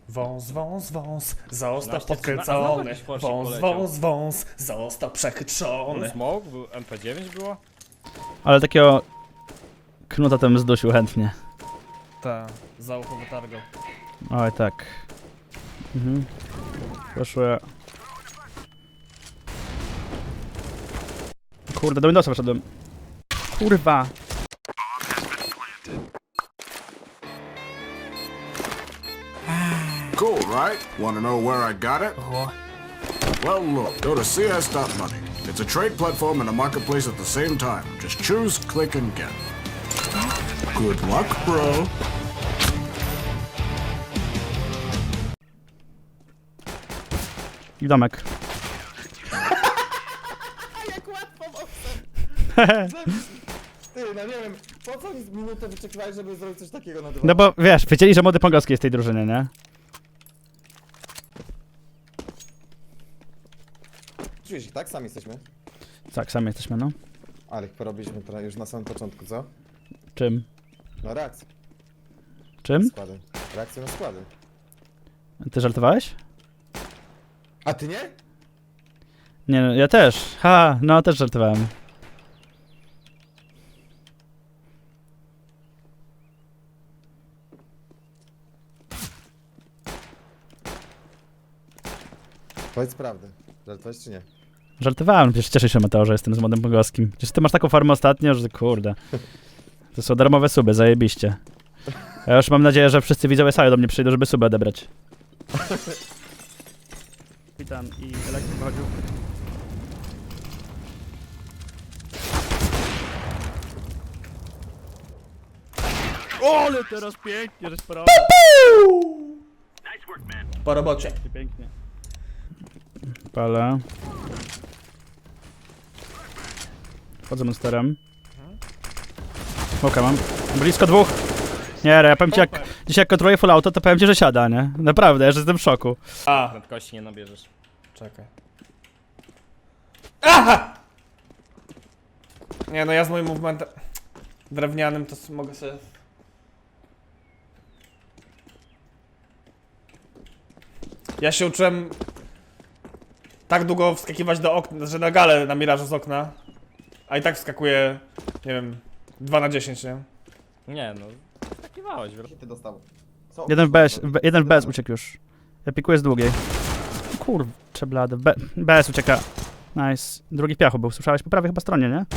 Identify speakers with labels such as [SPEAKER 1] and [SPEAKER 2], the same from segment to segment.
[SPEAKER 1] Wąs, wąs, wąs, został
[SPEAKER 2] 13,
[SPEAKER 1] podkręcony.
[SPEAKER 2] jakiś forsik
[SPEAKER 1] Wąs,
[SPEAKER 2] poleciał.
[SPEAKER 1] wąs, wąs, został przechytrzony.
[SPEAKER 2] Smoke, był MP9 było?
[SPEAKER 3] Ale takiego knuta tam zdusił chętnie.
[SPEAKER 1] Ta, za ucho wytargał.
[SPEAKER 3] Oj tak. Mhm. Proszę. Kurde, do Windowsa wszedłem. Kurwa.
[SPEAKER 4] Cool, right? Want to know where I got it? Well, look, go to CS.money. It's a trade platform and a marketplace at the same time. Just choose, click, and get. Good luck, bro.
[SPEAKER 3] I domek.
[SPEAKER 5] Jak łatwo Ty, no nie wiem, po co oni z minutę wyczekiwali, żeby zrobić coś takiego na dywanie?
[SPEAKER 3] No bo wiesz, wiedzieli, że młody Pongowski jest w tej drużynie, nie?
[SPEAKER 5] Czujesz ich, tak? Sami jesteśmy.
[SPEAKER 3] Tak, sami jesteśmy, no.
[SPEAKER 5] Ale ich porobiliśmy teraz już na samym początku, co?
[SPEAKER 3] Czym?
[SPEAKER 5] No reakcje.
[SPEAKER 3] Czym?
[SPEAKER 5] Składy. Reakcje na składy.
[SPEAKER 3] Ty żartowałeś?
[SPEAKER 5] A ty nie?
[SPEAKER 3] Nie, no, ja też. Ha, no też żartowałem.
[SPEAKER 5] Powiedz prawdę. Żartowałeś czy nie?
[SPEAKER 3] Żartowałem, przecież cieszę się, Mateo, że jestem z młodym Pongowskim. Przecież ty masz taką formę ostatnio, że kurde. To są darmowe suby, zajebiście. Ja już mam nadzieję, że wszyscy widzowie sali do mnie przyjdą, żeby suby odebrać. Witam i elektryk wychodził. Ale teraz pięknie, żeś porobił.
[SPEAKER 1] Po robocie.
[SPEAKER 3] Pięknie. Palę. Wchodzę monsterem. Smoka mam. Blisko dwóch. Nie, ja powiem ci, jak dzisiaj jak kontroluję full auto, to powiem ci, że siada, nie? Naprawdę, ja że jestem w szoku.
[SPEAKER 1] A,
[SPEAKER 2] Prędkości nie nabierzesz.
[SPEAKER 1] czekaj. Aha! Nie no, ja z moim movementem drewnianym to mogę sobie... Ja się uczyłem tak długo wskakiwać do okna, że na galę na mirażu z okna. A i tak wskakuje, nie wiem, 2 na 10, nie?
[SPEAKER 2] Nie no, takiwałeś,
[SPEAKER 5] Ty dostał. Co?
[SPEAKER 3] Jeden w BS uciekł już. Ja pikuję z długiej. Kurczę blady. BS ucieka. Nice. Drugi w piachu był. Słyszałeś po prawej chyba stronie, nie?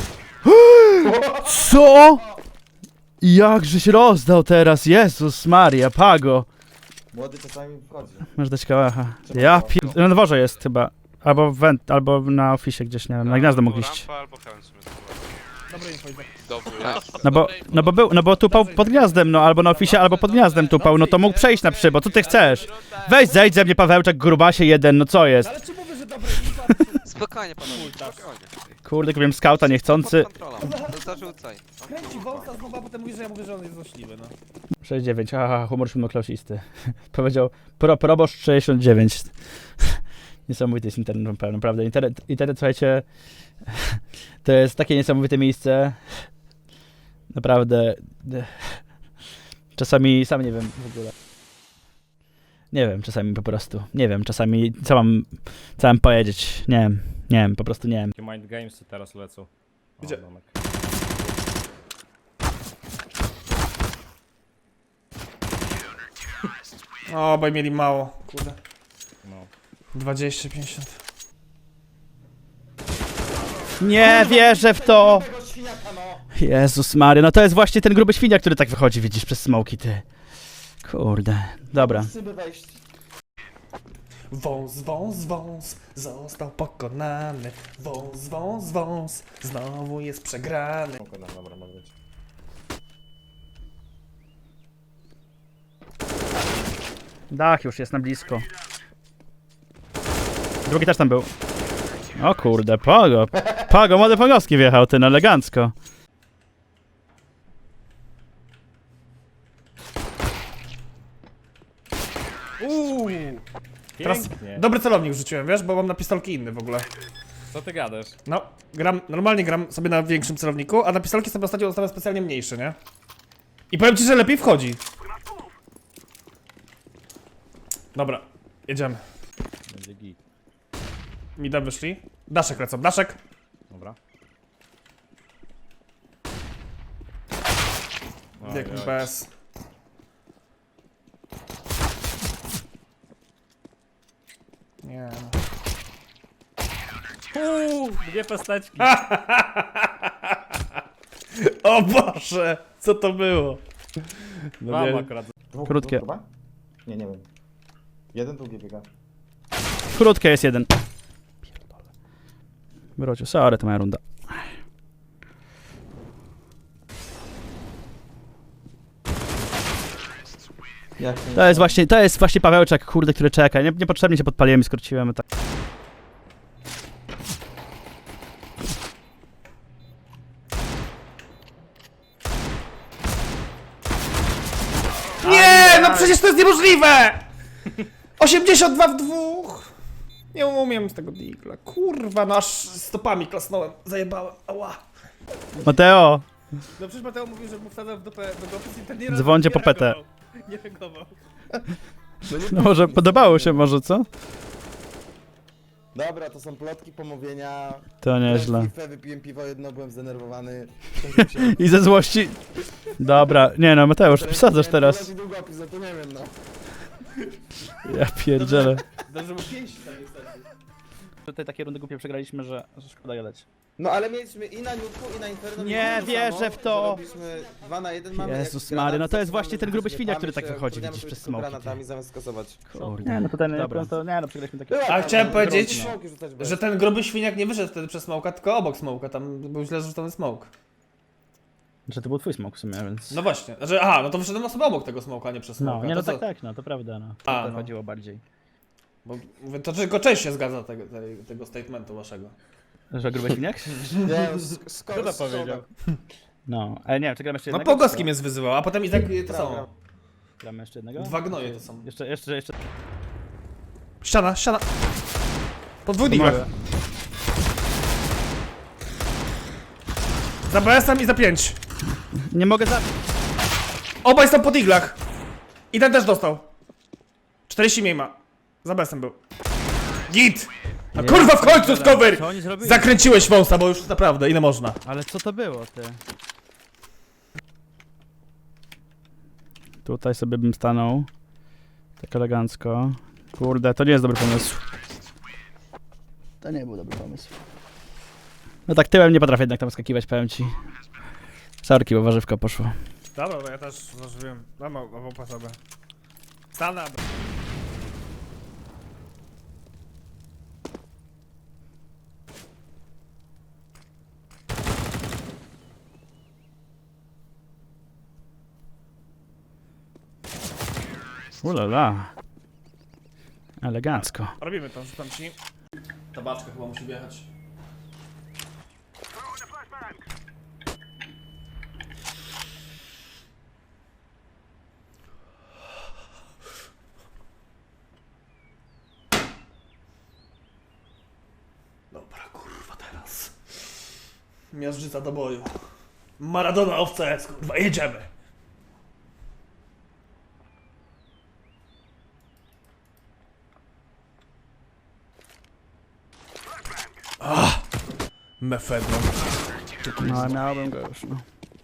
[SPEAKER 3] Co? Jakżeś rozdał teraz, Jezus Maria, Pago.
[SPEAKER 5] Młody czasami wchodzi.
[SPEAKER 3] Masz dać kałacha. Ja pier... Na dworze jest chyba. Albo w went, albo na ofisie gdzieś, nie wiem, na gniazdo mógł iść.
[SPEAKER 6] Rampa albo heaven sobie
[SPEAKER 1] Dobry info, Izak.
[SPEAKER 6] Dobry.
[SPEAKER 3] No bo tupał pod gniazdem, no albo na ofisie, albo pod gniazdem tupał, no to mógł przejść na przybo, co ty chcesz? Weź zejdź ze mnie Pawełczak, grubasie jeden, no co jest?
[SPEAKER 1] Ale czy mówię, że dobry info?
[SPEAKER 6] Spokojnie panowie, spokojnie.
[SPEAKER 3] Kurde, kupiłem skauta niechcący.
[SPEAKER 6] Pod kontrolą, zarzucaj.
[SPEAKER 1] Kręci wąsa znowu, a potem mówi, że ja mówię, że on jest złośliwy, no.
[SPEAKER 3] 69, haha, humor siódmoklasisty. Powiedział proboszcz 69. Niesamowity jest internet, naprawdę. Internet, słuchajcie, to jest takie niesamowite miejsce. Naprawdę. Czasami sam nie wiem w ogóle. Nie wiem, czasami po prostu. Nie wiem, czasami co mam powiedzieć. Nie wiem, po prostu nie wiem.
[SPEAKER 2] Takie mind gamesy teraz lecą. O,
[SPEAKER 1] Gdzie?
[SPEAKER 2] domek.
[SPEAKER 1] O, bo mieli mało, kurde.
[SPEAKER 2] No.
[SPEAKER 1] 20, 50.
[SPEAKER 3] Nie wierzę w to!
[SPEAKER 5] Tego świniaka, no!
[SPEAKER 3] Jezus Maria, no to jest właśnie ten gruby świniak, który tak wychodzi, widzisz, przez smoki, ty. Kurde, dobra.
[SPEAKER 5] Szyby wejść.
[SPEAKER 1] Wąs, wąs, wąs, został pokonany. Wąs, wąs, wąs, znowu jest przegrany.
[SPEAKER 5] Dobra, mogę być.
[SPEAKER 3] Dach już jest na blisko. Drugi też tam był. O kurde, Pago, młody Pogowski wjechał, ten elegancko.
[SPEAKER 1] Teraz
[SPEAKER 2] Pięknie.
[SPEAKER 1] dobry celownik rzuciłem, wiesz, bo mam na pistolki inny w ogóle.
[SPEAKER 2] Co ty gadasz?
[SPEAKER 1] No, normalnie gram sobie na większym celowniku, a na pistolki sobie ostatnio ustawiam specjalnie mniejszy, nie? I powiem ci, że lepiej wchodzi. Dobra, jedziemy.
[SPEAKER 2] Będzie git.
[SPEAKER 1] Mida wyszli. Daszek lecą, daszek.
[SPEAKER 2] Dobra.
[SPEAKER 1] Bieg PS. Nie no.
[SPEAKER 2] Dwie pesteczki.
[SPEAKER 1] O Boże, co to było? No
[SPEAKER 2] Mam
[SPEAKER 1] nie,
[SPEAKER 2] akurat.
[SPEAKER 3] Krótkie.
[SPEAKER 5] Chyba? Nie wiem. Jeden, drugi biega.
[SPEAKER 3] Krótkie jest jeden. Pierdolę. Brocie, sorry, to moja runda. To jest właśnie Pawełczak, kurde, który czeka. Niepotrzebnie się podpaliłem i skróciłem. Tak.
[SPEAKER 1] nie, no przecież to jest niemożliwe! 82 w dwóch. Nie umiem z tego digla. Kurwa, no aż stopami klasnąłem. Zajebałem, ała.
[SPEAKER 3] Mateo!
[SPEAKER 1] No przecież Mateo mówił, że mu wsadzał w dupę długopis i ten nie
[SPEAKER 3] Dzwońcie
[SPEAKER 1] nie
[SPEAKER 3] po petę.
[SPEAKER 1] reagował. Nie reagował.
[SPEAKER 3] No może podobało się może, co?
[SPEAKER 5] Dobra, to są plotki, pomówienia.
[SPEAKER 3] To nieźle.
[SPEAKER 5] Wypiłem piwo jedno, byłem zdenerwowany.
[SPEAKER 3] I ze złości... Dobra, nie no, Mateusz, przesadzasz teraz.
[SPEAKER 5] Długopis, no to nie wiem, no.
[SPEAKER 3] Ja pierdzielę.
[SPEAKER 1] Dobrze, bo pięść tam niestety.
[SPEAKER 3] Tutaj takie rundy głupie przegraliśmy, że szkoda gadać.
[SPEAKER 5] No ale mieliśmy i na Nutku, i na Inferno.
[SPEAKER 3] Nie
[SPEAKER 5] to
[SPEAKER 3] wierzę
[SPEAKER 5] samo,
[SPEAKER 3] w to.
[SPEAKER 5] że Robiliśmy 2 na 1 mamy.
[SPEAKER 3] Jezus
[SPEAKER 5] jak
[SPEAKER 3] Mary, no to jest
[SPEAKER 5] granat,
[SPEAKER 3] właśnie ten gruby świniak, który tak
[SPEAKER 5] się
[SPEAKER 3] wychodzi,
[SPEAKER 5] wkurwiamy
[SPEAKER 3] widzisz,
[SPEAKER 5] sobie
[SPEAKER 3] przez
[SPEAKER 5] tylko
[SPEAKER 3] smoki.
[SPEAKER 5] granatami zamiast skasować.
[SPEAKER 3] Nie, no tutaj nie, to nie, no przegraliśmy takie...
[SPEAKER 1] A chciałem powiedzieć,
[SPEAKER 5] Smoki rzucać bez.
[SPEAKER 1] że ten gruby świniak nie wyszedł wtedy przez smoka, tylko obok smoka. Tam był źle zrzucony smoke.
[SPEAKER 3] Że to był twój smok w sumie, więc...
[SPEAKER 1] No właśnie. Znaczy, aha, no to wyszedłem sobie obok tego smoka, a nie przez smoka.
[SPEAKER 3] No, nie no
[SPEAKER 1] To co?
[SPEAKER 3] tak, no to prawda, no.
[SPEAKER 1] A,
[SPEAKER 3] To
[SPEAKER 1] no.
[SPEAKER 3] chodziło bardziej.
[SPEAKER 1] Bo mówię, to tylko część się zgadza tego statementu waszego.
[SPEAKER 3] Że gruby świniak?
[SPEAKER 5] Nie,
[SPEAKER 2] Kto to powiedział?
[SPEAKER 3] No, ale nie, czy gramy jeszcze
[SPEAKER 1] No
[SPEAKER 3] jednego?
[SPEAKER 1] Pogowski mnie zwyzywał, a potem i tak to
[SPEAKER 5] Prawda.
[SPEAKER 1] samo.
[SPEAKER 3] Gramy jeszcze jednego?
[SPEAKER 1] Dwa gnoje to są.
[SPEAKER 3] Jeszcze...
[SPEAKER 1] Ściana, ściana. Podwójny igłach. Za BS-em i za 5.
[SPEAKER 3] Nie mogę za...
[SPEAKER 1] Obaj są pod iglach. I ten też dostał. 40 mniej ma. Za BS-em był. Git! No kurwa w końcu z cover!
[SPEAKER 3] Co oni zrobili?
[SPEAKER 1] Zakręciłeś wąsa, bo już naprawdę, ile można?
[SPEAKER 3] Ale co to było, ty? Tutaj sobie bym stanął. Tak elegancko. Kurde, to nie jest dobry pomysł. To nie był dobry pomysł. No tak tyłem nie potrafię jednak tam skakiwać, powiem ci. Sorki, bo warzywka poszło.
[SPEAKER 1] Dobra, bo ja też zażywiłem. Mam po sobie. Stanę.
[SPEAKER 3] Ulala. Elegancko.
[SPEAKER 1] Robimy to, rzucam ci. Tabaczka chyba musi wjechać. Dobra, kurwa teraz. Miażdżyca do boju. Maradona owca jest, kurwa, jedziemy. Mefedron.
[SPEAKER 3] No, miałbym go już, no.